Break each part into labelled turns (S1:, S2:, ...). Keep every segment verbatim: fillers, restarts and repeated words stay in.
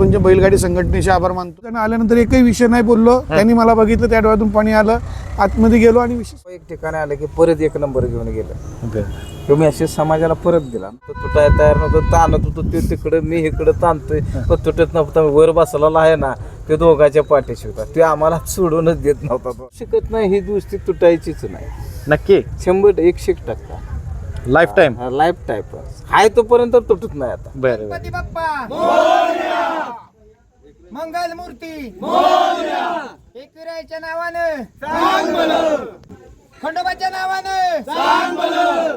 S1: म्हणजे बैलगाडी संघटनेचे आभार मानतो. त्यांना आल्यानंतर एकही विषय नाही बोललो. त्यांनी मला बघितलं, त्या डोळ्यातून पाणी आलं, आतमध्ये गेलो आणि विषय
S2: एक ठिकाणी आलं की परत एक नंबर घेऊन गेलं. तो मेसेज समाजाला परत दिला. तो तुटाय तयार नव्हतं, ताणत होतो ते तिकडं, मी इकडं ताणतोय, पण तुटत नव्हता. वर बसलेला आहे ना, ते दोघांच्या पाठीशी होता. ते आम्हाला सोडूनच देत नव्हता. तो शिकत नाही, ही दुसरी तुटायचीच नाही.
S3: नक्की
S2: शंभर एकशे टक्का
S3: लाईफ टाइम
S2: लाईफ टाईप आहे, तोपर्यंत तुटत नाही. आता
S3: बरं
S4: गणपती बाप्पा मंगल मूर्ती एकविरायच्या नावानं खंडोबाच्या नावानं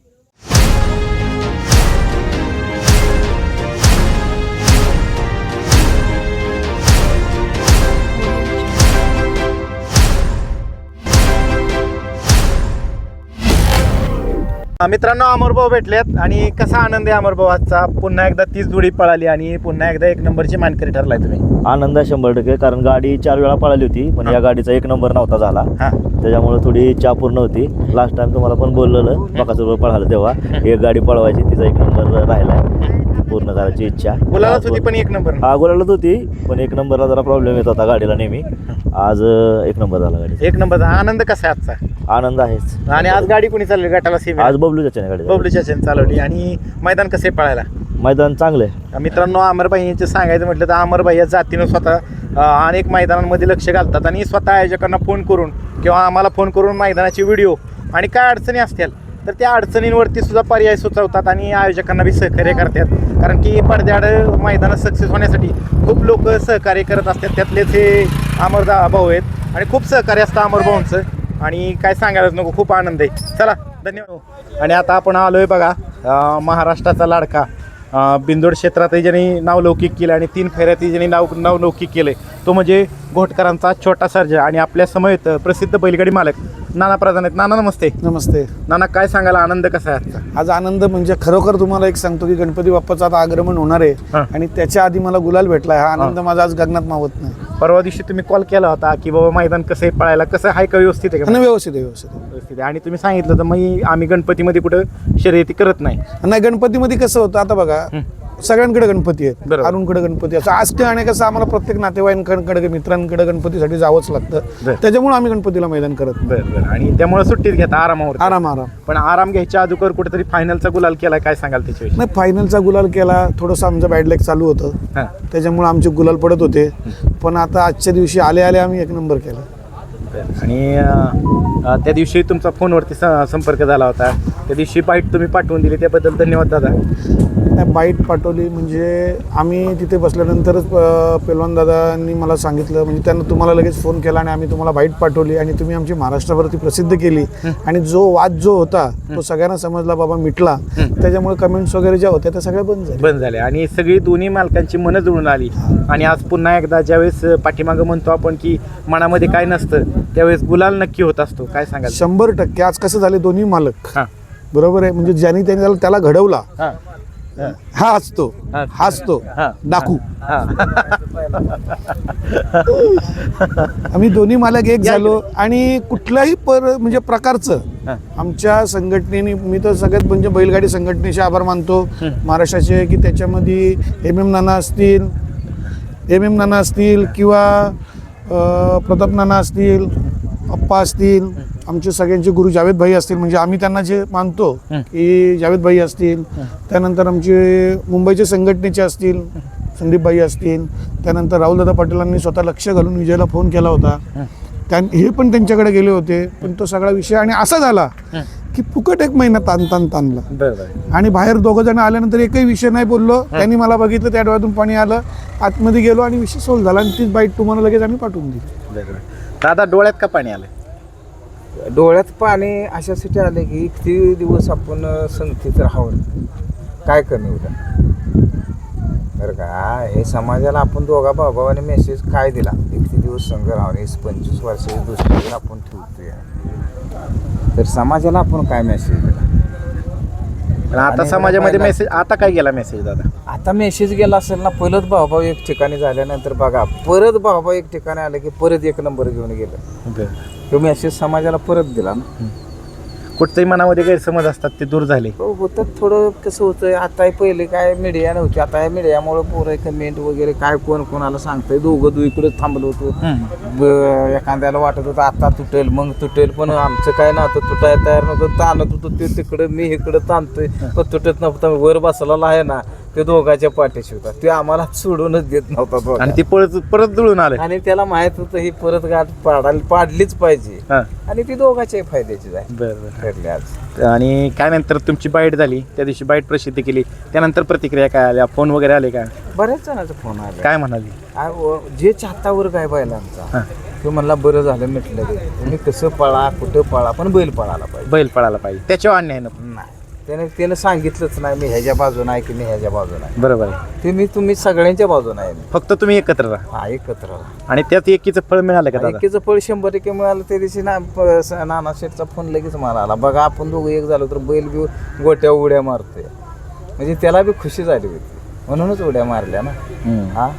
S3: मित्रांनो, अमरभाऊ भेटलेत आणि कसा आनंद आहे अमरभाऊ आजचा. पुन्हा एकदा तीच जोडी पळाली आणि पुन्हा एकदा एक नंबरची मानकरी ठरलाय तुम्ही.
S5: आनंद आहे शंभर टक्के, कारण गाडी चार वेळा पळाली होती, पण या गाडीचा एक नंबर नव्हता झाला.
S3: हा
S5: त्याच्यामुळे थोडी इच्छा पूर्ण होती. लास्ट टाइम तुम्हाला पण बोललेलं बकासूरवर पळालं तेव्हा एक गाडी पळवायची, तिचा एक नंबर राहिलाय, पूर्ण करायची इच्छा.
S3: गुलालाच होती पण एक नंबर.
S5: हा गुलालाच होती, पण एक नंबरला जरा प्रॉब्लेम येत होता गाडीला नेहमी. आज एक नंबर झाला गाडी.
S3: एक नंबर. आनंद कसा आहे आजचा?
S5: आनंद आहेच.
S3: आणि आज गाडी कोणी चालली गटाला सीम?
S5: आज बबलू चाचा गाडी
S3: बबलू चाचेने चालवली. आणि मैदान कसे पळायला?
S5: मैदान चांगलं आहे
S3: मित्रांनो. अमरभाई यांचे सांगायचं म्हटलं तर अमरभाई या जातीनं स्वतः अ, अनेक मैदानांमध्ये लक्ष घालतात आणि स्वतः आयोजकांना फोन करून किंवा आम्हाला फोन करून मैदानाचे व्हिडिओ आणि काय अडचणी असतील तर त्या अडचणींवरती सुद्धा पर्याय सुचवतात आणि आयोजकांना बी सहकार्य करतात. कारण की पडद्याआड मैदानात सक्सेस होण्यासाठी खूप लोक सहकार्य करत असतात. त्यातलेच हे अमरदा भाऊ आहेत आणि खूप सहकार्य असतं अमरभाऊंचं. आणि काय सांगायलाच नको, खूप आनंद आहे. चला, धन्यवाद. आणि आता आपण आलोय बघा अ, महाराष्ट्राचा लाडका अ, बिंदोड क्षेत्रातही ज्यांनी नावलौकिक केलं आणि तीन फेऱ्यातही ज्यांनी नाव नावलौकिक केलं तो म्हणजे घोटकरांचा छोटा सर्जा. आणि आपल्या समवेत प्रसिद्ध बैलगाडी मालक नाना प्रधान आहेत. नाना नमस्ते.
S1: नमस्ते.
S3: नाना, काय सांगायला आनंद कसा आहे आजचा?
S1: आज आनंद म्हणजे खरोखर तुम्हाला एक सांगतो की गणपती बाप्पाचं आता आगमन होणार
S3: हा.
S1: आहे आणि त्याच्या आधी मला गुलाल भेटलाय. हा आनंद माझा आज गगनात मावत नाही.
S3: परवा दिवशी तुम्ही कॉल केला होता की बाबा मैदान कसं आहे पळायला, कसं आहे का, व्यवस्थित आहे का?
S1: आणि व्यवस्थित आहे, व्यवस्थित आहे.
S3: व्यवस्थित आहे. आणि तुम्ही सांगितलं तर मग आम्ही गणपतीमध्ये कुठं शर्यती करत नाही.
S1: नाही, गणपतीमध्ये कसं होतं आता बघा, सगळ्यांकडे गणपती आहेत.
S3: बरोबर.
S1: अरुणकडे गणपती असं असते आणि कसं आम्हाला प्रत्येक नातेवाईकांकडे मित्रांकडे गणपतीसाठी जावंच लागतं.
S3: बरं.
S1: त्याच्यामुळे आम्ही गणपतीला मैदान करत नाही.
S3: बरं बरं. आणि त्यामुळे सुट्टीत घेता आरामावर.
S1: आराम आराम
S3: पण आराम घ्यायच्या अगोदर कुठेतरी फायनलचा गुलाल केला, काय सांगाल त्याच्याविषयी?
S1: नाही, फायनलचा गुलाल केला. थोडंसं आमचं बॅड लक चालू होतं,
S3: हां
S1: त्याच्यामुळे आमचे गुलाल पडत होते. पण आता आजच्या दिवशी आले आले आम्ही एक नंबर केला.
S3: आणि अ, त्या दिवशी तुमचा फोनवरती स- संपर्क झाला होता. त्या दिवशी बाईट तुम्ही पाठवून दिली, त्याबद्दल धन्यवाद दादा.
S1: नाही, बाईट पाठवली म्हणजे आम्ही तिथे बसल्यानंतरच अ, पेलवान दादांनी मला सांगितलं, म्हणजे त्यांना तुम्हाला लगेच फोन केला आणि आम्ही तुम्हाला बाईट पाठवली आणि तुम्ही आमची महाराष्ट्रावरती प्रसिद्ध केली. आणि जो वाद जो होता तो सगळ्यांना समजला, बाबा मिटला. त्याच्यामुळे कमेंट्स वगैरे ज्या होत्या त्या सगळ्या बंद झाल्या.
S3: बंद झाले आणि सगळी दोन्ही मालकांची मनं जुळून आली. आणि आज पुन्हा एकदा ज्यावेळेस पाठीमागं म्हणतो आपण की मनामध्ये काय नसतं त्यावेळेस गुलाल नक्की होत असतो. काय सांगाल?
S1: शंभर टक्के. आज कसं झाले, दोन्ही मालक
S3: हां
S1: बरोबर आहे. म्हणजे ज्यांनी त्यांनी त्याला- त्याला घडवला
S3: हां
S1: हा असतो, हा असतो
S3: हां.
S1: डाकू.
S3: हां
S1: आम्ही दोन्ही मालक एक झालो आणि कुठल्याही पर म्हणजे प्रकारचं आमच्या संघटनेने, मी तर सगळ्यात म्हणजे बैलगाडी संघटनेचे आभार मानतो महाराष्ट्राचे, की त्याच्यामध्ये एम एम नाना असतील एम एम नाना असतील किंवा अ, प्रताप नाना असतील, अप्पा असतील, आमचे सगळ्यांचे गुरु जावेद भाई असतील, म्हणजे आम्ही त्यांना जे मानतो की जावेद भाई असतील. त्यानंतर आमचे मुंबईचे संघटनेचे असतील संदीप भाई असतील. त्यानंतर राहुलदादा पाटीलांनी स्वतः लक्ष घालून विजयला फोन केला होता. त्या हे पण त्यांच्याकडे गेले होते. पण तो सगळा विषय आणि असा झाला की फुकट एक महिना ताण ताण ताणला.
S3: बरोबर.
S1: आणि बाहेर दोघं जण आल्यानंतर एकही विषय नाही बोललो. त्यांनी मला बघितलं, त्या डोळ्यातून पाणी आलं, आतमध्ये गेलो आणि विषय सोल्व झाला. आणि तीच बाईट तुम्हाला लगेच आम्ही पाठवून दिली.
S3: बरोबर. दादा, डोळ्यात का पाणी आलं?
S2: डोळ्यात पाणी अशासाठी आले की किती दिवस आपण संगतीत राहावं, काय कमी होतं बरं का. हे समाजाला आपण दोघा भावाने मेसेज काय दिला, किती दिवस संघ राहावं, पंचवीस वर्षाची दुसरी आपण ठेवतोय, तर समाजाला आपण काय मेसेज दिला?
S3: पण आता
S2: आणि
S3: समाजामध्ये
S2: महिला-
S3: मेसेज आता काय गेला मेसेज दादा?
S2: आता मेसेज गेला असेल ना, पहिलंच भाऊभाऊ एक ठिकाणी झाल्यानंतर बघा परत भाऊभाऊ एक ठिकाणी आलं की परत एक नंबर घेऊन गेलं. तो मेसेज समाजाला परत दिला ना.
S3: कुठतरी मनामध्ये गैरसमज असतात ते दूर झाले.
S2: हो होतं थोडं कसं होतं आता पहिले काय मीडिया नव्हती आता या मीडियामुळे पोरं कमेंट वगैरे काय कोण कोणाला सांगतंय दोघं दु इकडे थांबलो होतो ब- एखाद्याला वाटत होतं आता तुटेल मग तुटेल पण आमचं काय नव्हतं तुटायला तयार नव्हतं ताणत होतं ते तिकडं मी इकडं ताणतोय पण तुटत नव्हतं वर बसलेला आहे ना ते दोघांच्या पाठीशी होता ते आम्हाला सोडूनच देत नव्हता दोघा.
S3: आणि ते परत परत जुळून आलं.
S2: आणि त्याला माहित होतं ही परत गाठ पाडायला पाडलीच पाहिजे
S3: हा.
S2: आणि ती दोघांच्या फायद्याची आहे
S3: बरं बरं.
S2: ठरली आज.
S3: आणि काय नंतर तुमची बाईट झाली त्या दिवशी बाईट प्रसिद्ध केली त्यानंतर प्रतिक्रिया काय आल्या फोन वगैरे आले का
S2: बऱ्याच जणांचा फोन आला
S3: काय म्हणाली.
S2: आ- व- जे चाहतावर काय बैलांचा
S3: हां.
S2: तो म्हणला बरं झालं म्हटलं ते तुम्ही कसं पळा कुठं पळा पण बैल पळायला पाहिजे
S3: बैल पळायला पाहिजे त्याच्यावर अन्याय नको.
S2: नाही त्याने त्यानं सांगितलंच नाही मी ह्याच्या बाजून आहे की मी ह्याच्या बाजून आहे
S3: बरोबर आहे.
S2: ते मी तुम्ही सगळ्यांच्या बाजून आहे
S3: फक्त तुम्ही एकत्र राहा
S2: हा एकत्र राहा.
S3: आणि त्यात एकीचं फळ मिळालं का दादा.
S2: एकीचं फळ शंभर टक्के मिळालं त्या दिवशी ना प- स- नाना शेठचा फोन लगेच मला आला बघा आपण दोघं एक झालो तर बैल बी गोट्या उड्या मारतोय म्हणजे त्याला बी खुशी झाली होती म्हणूनच उड्या मारल्या ना.
S3: हम्म.
S2: हा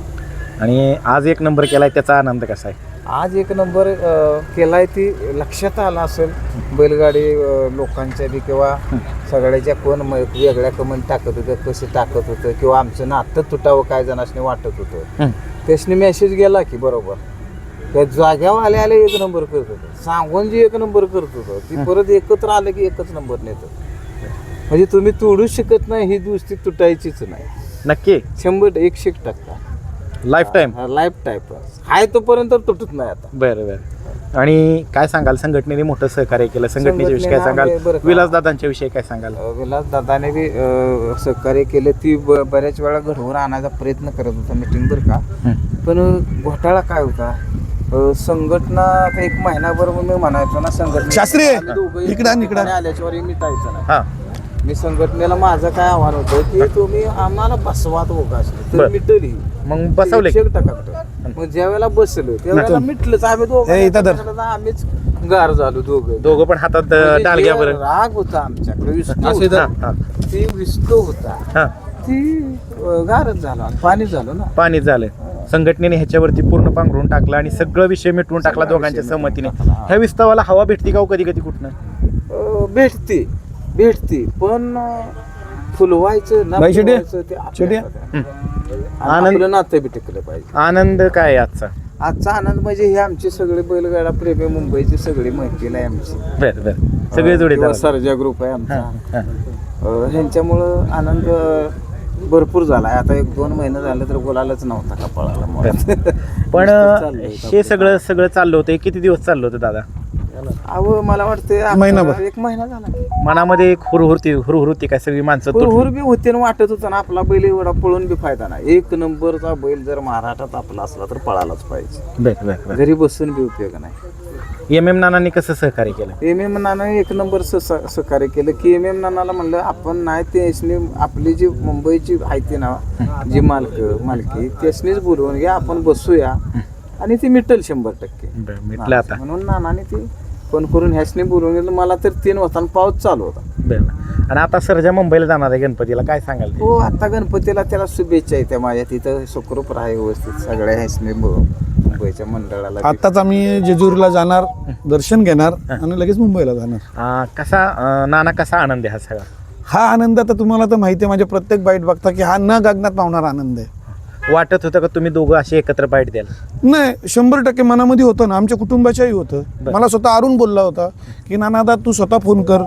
S3: आणि आज एक नंबर केलाय त्याचा आनंद कसा आहे.
S2: आज एक नंबर अ, केलाय ती लक्षात आला असेल बैलगाडी अ, लोकांच्या बी किंवा सगळ्याच्या कोण म- वेगळ्या कमेंट टाकत होतं कसं टाकत होतं किंवा आमचं नातं तुटावं काय जणांनी वाटत होतं त्यासनी मेसेज गेला की बरोबर त्या जाग्यावर आले आले एक नंबर करत होतं सांगून जी एक नंबर करत होतं ती परत एकत्र आलं की एकच नंबर नेतं म्हणजे तुम्ही तोडूच शकत नाही ही दुसरी तुटायचीच नाही
S3: नक्की
S2: शंभर एकशे एक टक्का
S3: लाईफ टाईम.
S2: लाईफ टाईप आहे तोपर्यंत तुटत नाही आता.
S3: बरं बरं. आणि काय सांगाल संघटनेने मोठं सहकार्य केलं संघटनेच्या विषयी काय
S2: संघटनेनं
S3: सांगाल
S2: आम्ही बरं का-
S3: विलास दादांच्या विषयी काय सांगाल.
S2: अ, विलास दादाने बी अ, सहकार्य केलं ती ब- बऱ्याच वेळा घडवून आणायचा प्रयत्न करत होता मीटिंग बरं का पण घोटाळा काय होता अ, संघटना आता एक महिनाभर मी म्हणायचो ना संघटना
S1: शास्त्री,
S2: आम्ही दोघं एक
S1: इकडं आण, इकडं आण.
S2: ठिकाणी आल्याच्यावर मिटायचं नाही.
S3: हां
S2: मी संघटनेला माझं काय आव्हान होतं की तुम्ही आम्हाला बसवा दोघं असले तर
S3: बरं.
S2: मिटली
S3: मग बसवले
S2: एकशे एक टक्का मिटलं. मग ज्या वेळेला बसलो त्यावेळेला मिटलंच आम्ही
S1: ए, इथं धर.
S2: दोघं आम्हीच गार झालो दोघं
S3: दोघं पण हातात
S2: म्हणजे
S3: डाल
S2: ते
S3: घ्या बरं.
S2: राग होता आमच्याकडे विष्णू
S3: हां,
S2: होता.
S3: हां,
S2: ती विष्णू होता
S3: हां.
S2: ती अ, गारच झाला पाणी झालं ना
S3: पाणी झालं संघटनेने ह्याच्यावरती पूर्ण पांघरून टाकला आणि सगळं विषय मिटवून टाकला दोघांच्या सहमतीने. ह्या विस्तावाला हवा भेटती का कधी कधी कुठनं.
S2: अ, भेटते भेटते पण अ, फुलवायचं ना
S1: बाई शेटे?
S2: फुलवायचं ते आपल्या
S1: शेटे?
S2: हातात आहे. आणि
S3: आनंद-
S2: आपलं नातं बी टिकलं पाहिजे.
S3: आनंद काय आहे आजचा.
S2: आजचा आनंद म्हणजे हे आमची सगळे बैलगाडा प्रेमी मुंबईची सगळी मैत्रीला आहे आमची
S3: बरं बरं सगळे जोडे
S2: किंवा सर्जा ग्रुप आहे आमचा अ, ह्यांच्यामुळं आनंद अ, भरपूर झाला आहे आता एक दोन महिने झाले तर बोलायलाच नव्हता का पळाला मला.
S3: पण
S2: नुसतं चाललंय
S3: हे सगळं सगळं चाललं होतं हे किती दिवस चाललं होतं दादा.
S2: अहो मला वाटते
S1: महिनाभर.
S2: एक महिना झाला
S3: मनामध्ये एक हुरहुरती हुरहुरती काय सगळी माणसं
S2: हुर
S3: तुटली.
S2: हुर बी होते आणि वाटत होतं ना आपला बैल एवढा पळून बी फायदा नाही एक नंबरचा बैल जर महाराष्ट्रात आपला असला तर पळालाच पाहिजे
S3: बरं बरं बरं.
S2: घरी बसून बी उपयोग नाही.
S3: एम एम नानांनी कसं सहकार्य केलं.
S2: एम एम नानाने एक नंबर स- स- सहकार्य केलं की एम एम नानाला म्हणलं आपण नाही त्यासनी आपली जी मुंबईची आहे ती ना जी मालक मालकी त्यासनीच बोलवून घ्या आपण बसूया आणि ती मिटल शंभर टक्के
S3: बरं मिटलं आता.
S2: म्हणून नानाने ती फोन करून ह्यासनी बोलवून गेलं मला तर तीन वाजता पाऊस चालू होता.
S3: बरं आणि आता सरजा मुंबईला जाणार आहे गणपतीला काय सांगाल ते?
S2: हो आता गणपतीला त्याला शुभेच्छा येत्या माझ्या तिथं सुखरूप राहा व्यवस्थित सगळ्या ह्यासनी मुंबईच्या मंडळाला बी.
S1: आताच आम्ही जेजुरीला जाणार दर्शन घेणार आणि लगेच मुंबईला जाणार.
S3: अं, कसा अं, नाना कसा आनंद आहे हा सगळा.
S1: हा आनंद आता तुम्हाला तर माहिती आहे माझ्या प्रत्येक बाईट बघता की हा न गगनात पावणारा आनंद आहे.
S3: वाटत होतं का तुम्ही दोघं असे एकत्र बाईट द्याल.
S1: नाही शंभर टक्के मनामध्ये होतं ना आमच्या कुटुंबाच्याही होतं. मला स्वतः अरुण बोलला होता की नानादा तू स्वतः फोन कर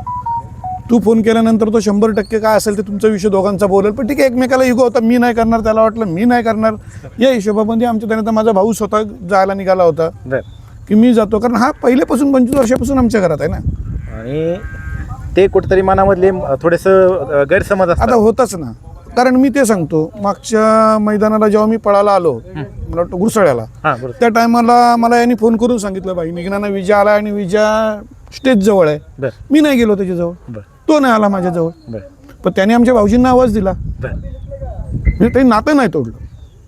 S1: तू फोन केल्यानंतर तो शंभर टक्के काय असेल ते तुमचा विषय दोघांचा बोलेल पण ठीक आहे एकमेकाला इगो होता मी नाही करणार त्याला वाटलं मी नाही करणार या हिशोबामध्ये आमच्या त्यानंतर माझा भाऊ स्वतः जायला निघाला होता
S3: बरं
S1: की मी जातो कारण हा पहिल्यापासून पंचवीस वर्षापासून आमच्या घरात आहे ना.
S3: आणि ते कुठेतरी मनामधले थोडेसं गैरसमज
S1: आता
S3: असतात.
S1: होतच ना कारण मी ते सांगतो मागच्या मैदानाला जेव्हा मी पळायला आलो मला वाटतं गुरसाळ्याला
S3: हां बरोबर.
S1: त्या टायमाला मला यांनी फोन करून सांगितलं भाई निघणारा विजा आला आणि विजा स्टेज जवळ आहे.
S3: बरं
S1: मी नाही गेलो त्याच्याजवळ
S3: बरं
S1: तो नाही आला माझ्याजवळ
S3: बरं
S1: पण त्याने आमच्या भाऊजींना आवाज दिला
S3: बरं
S1: म्हणजे ते नातं नाही तोडलं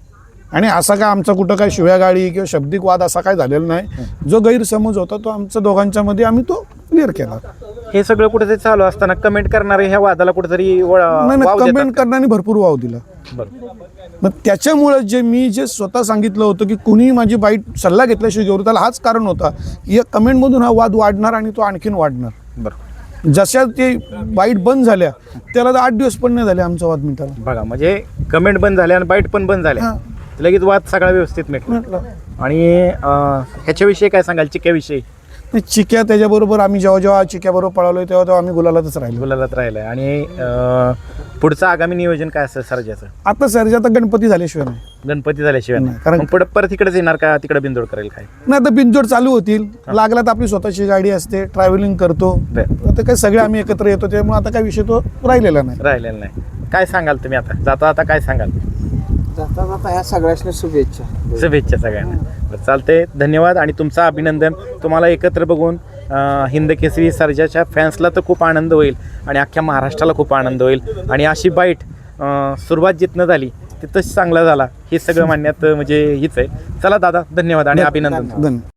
S1: आणि असा काय आमचा कुठं काय शिव्या गाडी किंवा शब्दिक वाद असा काय झालेला नाही. जो गैरसमज होता तो आमच्या दोघांच्या मध्ये आम्ही तो क्लिअर केला.
S3: हे सगळं कुठेतरी चालू असताना कमेंट करणारे ह्या वादाला कुठेतरी वळ-
S1: नाही
S3: वाव
S1: नाही
S3: देतात
S1: कमेंट
S3: का?
S1: करण्याने भरपूर वाव दिला.
S3: बरं
S1: मग त्याच्यामुळे जे मी जे स्वतः सांगितलं होतं की कुणीही माझी बाईट सल्ला घेतल्याशिवाय घेऊ त्याला हाच कारण होता की या कमेंटमधून हा वाद वाढणार आणि तो आणखीन वाढणार.
S3: बरं
S1: जशा ते बाईट बंद झाल्या त्याला तर आठ दिवस पण नाही झाले आमचा वाद मिटायला.
S3: बघा म्हणजे कमेंट बंद झाल्या आणि बाईट पण बंद झाल्या,
S1: हां.
S3: लगेच वाद सगळा व्यवस्थित मिटला.
S1: म्हटलं
S3: आणि अं, ह्याच्याविषयी काय सांगाल, चिक्याविषयी?
S1: नाही, चिक्या त्याच्याबरोबर आम्ही जेव्हा जेव्हा चिक्याबरोबर पळालोय तेव्हा तेव्हा आम्ही गुलालातच राहिलो.
S3: गुलालात राहिलाय. आणि अं, पुढचं आगामी नियोजन काय असेल सर्जाचं?
S1: आता सरजे आता गणपती झाल्याशिवाय नाही.
S3: गणपती झाल्याशिवाय
S1: नाही, कारण-
S3: मग पुढं परत इकडेच येणार का, तिकडे बिंदोड करेल काय?
S1: नाही आता बिनजोड चालू होतील, लागला तर आपली स्वतःची गाडी असते, ट्रॅव्हलिंग करतो.
S3: बरं.
S1: आता काय सगळे आम्ही एकत्र येतो त्यामुळे आता काय विषय तो राहिलेला नाही.
S3: राहिलेलं नाही. काय सांगाल तुम्ही आता जाता आता, काय सांगाल?
S2: जाता जाता ह्या सगळ्यांना शुभेच्छा.
S3: शुभेच्छा सगळ्यांना. बरं, चालतंय, धन्यवाद आणि तुमचं अभिनंदन. तुम्हाला एकत्र बघून अं, हिंद केसरी सर्जाच्या फॅन्सला तर खूप आनंद होईल आणि अख्ख्या महाराष्ट्राला खूप आनंद होईल. आणि अशी बाईट अं, सुरुवात जिथनं झाली तिथंच चांगला झाला, हे सगळं मानण्यात म्हणजे हीच आहे. चला दादा, धन्यवाद आणि अभिनंदन.
S1: धन्यवाद.